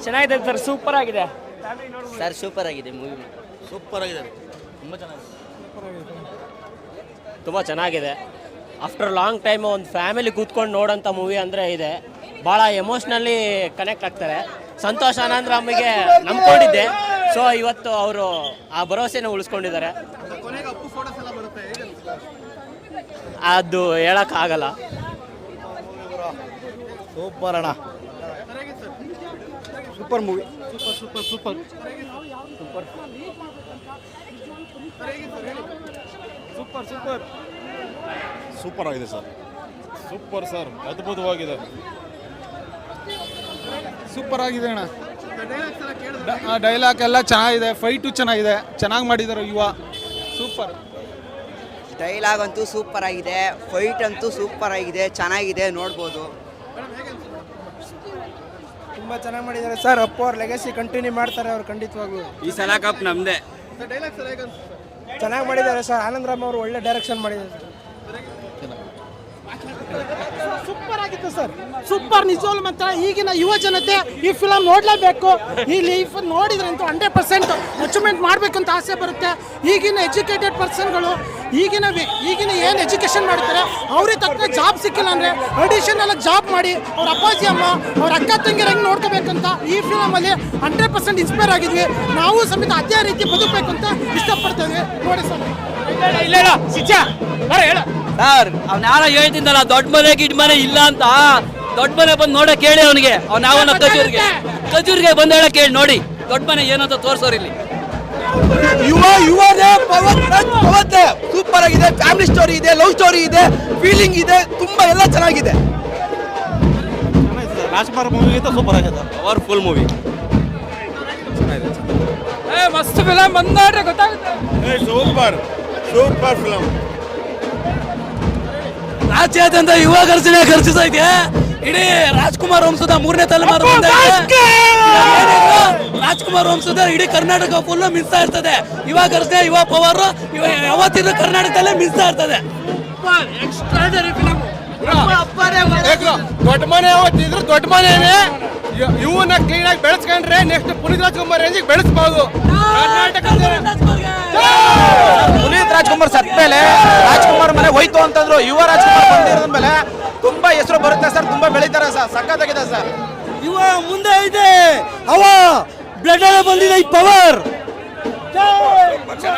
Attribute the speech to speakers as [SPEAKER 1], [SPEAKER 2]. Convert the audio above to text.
[SPEAKER 1] ಚೆನ್ನಾಗಿದೆ sir, super ಆಗಿದೆ
[SPEAKER 2] sir. Super ಆಗಿದೆ ಮೂವಿ,
[SPEAKER 3] ಸೂಪರ್ ಆಗಿದೆ,
[SPEAKER 4] ತುಂಬ ಚೆನ್ನಾಗಿದೆ. ಆಫ್ಟರ್ ಲಾಂಗ್ ಟೈಮ್ ಒಂದು ಫ್ಯಾಮಿಲಿ ಕೂತ್ಕೊಂಡು ನೋಡೋಂಥ ಮೂವಿ ಅಂದರೆ ಇದೆ. ಭಾಳ ಎಮೋಷ್ನಲಿ ಕನೆಕ್ಟ್ ಆಗ್ತಾರೆ. ಸಂತೋಷ್ ಆನಂದರಾಮಿಗೆ ನಂಬ್ಕೊಂಡಿದ್ದೆ, ಸೊ ಇವತ್ತು ಅವರು ಆ ಭರವಸೆನ ಉಳಿಸ್ಕೊಂಡಿದ್ದಾರೆ. ಅದು ಹೇಳೋಕ್ಕಾಗಲ್ಲ.
[SPEAKER 3] ಸೂಪರ್ ಅಣ್ಣ, super movie, super super super super super super ಆಗಿದೆ ಸರ್. ಸೂಪರ್ ಸರ್, ಅದ್ಭುತವಾಗಿದೆ, ಸೂಪರ್ ಆಗಿದೆ ಅಣ್ಣ. ಡೈಲಾಗ್ ಎಲ್ಲ ಚೆನ್ನಾಗಿದೆ, ಫೈಟು ಚೆನ್ನಾಗಿದೆ, ಚೆನ್ನಾಗಿ ಮಾಡಿದ್ದಾರೆ ಯುವ. ಸೂಪರ್
[SPEAKER 2] ಡೈಲಾಗ್ ಅಂತೂ ಸೂಪರ್ ಆಗಿದೆ, ಫೈಟ್ ಅಂತೂ ಸೂಪರ್ ಆಗಿದೆ, ಚೆನ್ನಾಗಿದೆ, ನೋಡ್ಬೋದು.
[SPEAKER 1] ತುಂಬ ಚೆನ್ನಾಗಿ ಮಾಡಿದ್ದಾರೆ ಸರ್. ಅಪ್ಪು ಅವ್ರ ಲೆಗಸಿ ಕಂಟಿನ್ಯೂ ಮಾಡ್ತಾರೆ ಅವ್ರು ಖಂಡಿತವಾಗ್ಲೂ.
[SPEAKER 4] ಈ ಸಲ ಕಪ್ ನಮ್ಮದೇ.
[SPEAKER 1] ಚೆನ್ನಾಗಿ ಮಾಡಿದ್ದಾರೆ ಸರ್. ಆನಂದರಾಮ್ ಅವರು ಒಳ್ಳೆ ಡೈರೆಕ್ಷನ್ ಮಾಡಿದ್ದಾರೆ.
[SPEAKER 5] ಸೂಪರ್ ಆಗಿತ್ತು ಸರ್, ಸೂಪರ್. ನಿಜವಾಗ್ಲೂ ಮಾತ್ರ ಈಗಿನ ಯುವ ಜನತೆ ಈ ಫಿಲಮ್ ನೋಡಲೇಬೇಕು. ಈ ಲೈಫ್ ನೋಡಿದ್ರಂತೂ 100% ಅಚೀವ್ಮೆಂಟ್ ಮಾಡಬೇಕು ಅಂತ ಆಸೆ ಬರುತ್ತೆ. ಈಗಿನ ಎಜುಕೇಟೆಡ್ ಪರ್ಸನ್ಗಳು ಈಗಿನ ಏನು ಎಜುಕೇಷನ್ ಮಾಡ್ತಾರೆ ಅವ್ರಿಗೆ ತಕ್ಕ ಜಾಬ್ ಸಿಕ್ಕಿಲ್ಲ ಅಂದರೆ ಅಡಿಷನಲ್ ಜಾಬ್ ಮಾಡಿ ಅವ್ರ ಅಪ್ಪಾಜಿ ಅಮ್ಮ ಅವ್ರ ಅಕ್ಕ ತಂಗಿರ ಹೆಂಗೆ ನೋಡ್ಕೋಬೇಕಂತ ಈ ಫಿಲಮಲ್ಲಿ 100% ಇನ್ಸ್ಪೈರ್ ಆಗಿದ್ವಿ. ನಾವು ಸಮೇತ ಅದೇ ರೀತಿ ಬದುಕಬೇಕು ಅಂತ ಇಷ್ಟಪಡ್ತೇವೆ. ನೋಡಿ ಸರ್.
[SPEAKER 6] ಸರ್ ಅವ್ನ ಯಾರ ಹೇಳ್ತಿದ್ದಲ್ಲ ದೊಡ್ಡ ಮನೆ ಗಿಡ್ ಮನೆ ಇಲ್ಲ ಅಂತ, ದೊಡ್ಡ ಮನೆ ಬಂದು ನೋಡಕ್ ಹೇಳಿ ಅವನಿಗೆ. ಅವ್ನ ಯಾವನ ಖಜೂರಿಗೆ ಬಂದು ಹೇಳಕ್ ಹೇಳಿ ನೋಡಿ ದೊಡ್ಡ ಮನೆ ಏನಂತ ತೋರ್ಸೋರ್ ಇಲ್ಲಿ.
[SPEAKER 3] ಯುವನೇ ಪವತ್ತೆ ಸೂಪರ್ ಆಗಿದೆ. ಫ್ಯಾಮಿಲಿ ಸ್ಟೋರಿ ಇದೆ, ಲವ್ ಸ್ಟೋರಿ ಇದೆ, ಫೀಲಿಂಗ್ ಇದೆ, ತುಂಬಾ ಎಲ್ಲ ಚೆನ್ನಾಗಿದೆ. ರಾಜ್ಕುಮಾರ್ ಮೂವಿ ಸೂಪರ್ ಆಗಿದೆ, ಪವರ್ಫುಲ್ ಮೂವಿ.
[SPEAKER 1] ಮಸ್ತ್ ಫಿಲಮ್ ಬಂದ್ ನೋಡ್ರೆ ಗೊತ್ತಾಗುತ್ತೆ.
[SPEAKER 3] Super super film.
[SPEAKER 6] ರಾಜ್ಯಾದ್ಯಂತ ಯುವ ಘರ್ಷಣೆ ಘರ್ಷಿಸೈತೆ. ಇಡೀ ರಾಜ್ಕುಮಾರ್ ವಂಶದ 3ನೇ ತಲೆಮಾರು ರಾಜ್ಕುಮಾರ್ ವಂಶದ ಇಡೀ ಕರ್ನಾಟಕ ಫುಲ್ ಮಿಸ್ತಾ ಇರ್ತದೆ. ಯುವ ಘರ್ಷಣೆ, ಯುವ ಪವರ್ ಯಾವತ್ತಿದ್ರು ಕರ್ನಾಟಕದಲ್ಲೇ ಮಿಸ್ತಾ ಇರ್ತದೆ.
[SPEAKER 3] ದೊಡ್ಡ ಮನೆ ಯಾವತ್ತಿದ್ರು ದೊಡ್ಡ ಮನೆನೇ. ಇವನ್ನ ಕ್ಲೀನ್ ಆಗಿ ಬೆಳೆಸ್ಕೊಂಡ್ರೆ ನೆಕ್ಸ್ಟ್ ಪುನೀತ್ ರಾಜ್ಕುಮಾರ್ ರೇಂಜಿಗೆ ಬೆಳೆಸಬಹುದು. ಪುನೀತ್ ರಾಜ್ಕುಮಾರ್ ಸತ್ ಮೇಲೆ ರಾಜ್ಕುಮಾರ್ ಮನೆ ಹೋಯ್ತು ಅಂತಂದ್ರು, ಯುವ ರಾಜ್ಕುಮಾರ್ ಬಂದಿರೋದ ಮೇಲೆ ತುಂಬಾ ಹೆಸರು ಬರುತ್ತೆ ಸರ್, ತುಂಬಾ ಬೆಳೀತಾರೆ ಸರ್, ಸಖತ್ತಾಗಿದೆ ಸರ್.
[SPEAKER 6] ಯುವ ಮುಂದೆ ಇದೆ, ಅವ ಬ್ಲಡ್ ಬಂದಿದೆ, ಈ ಪವರ್.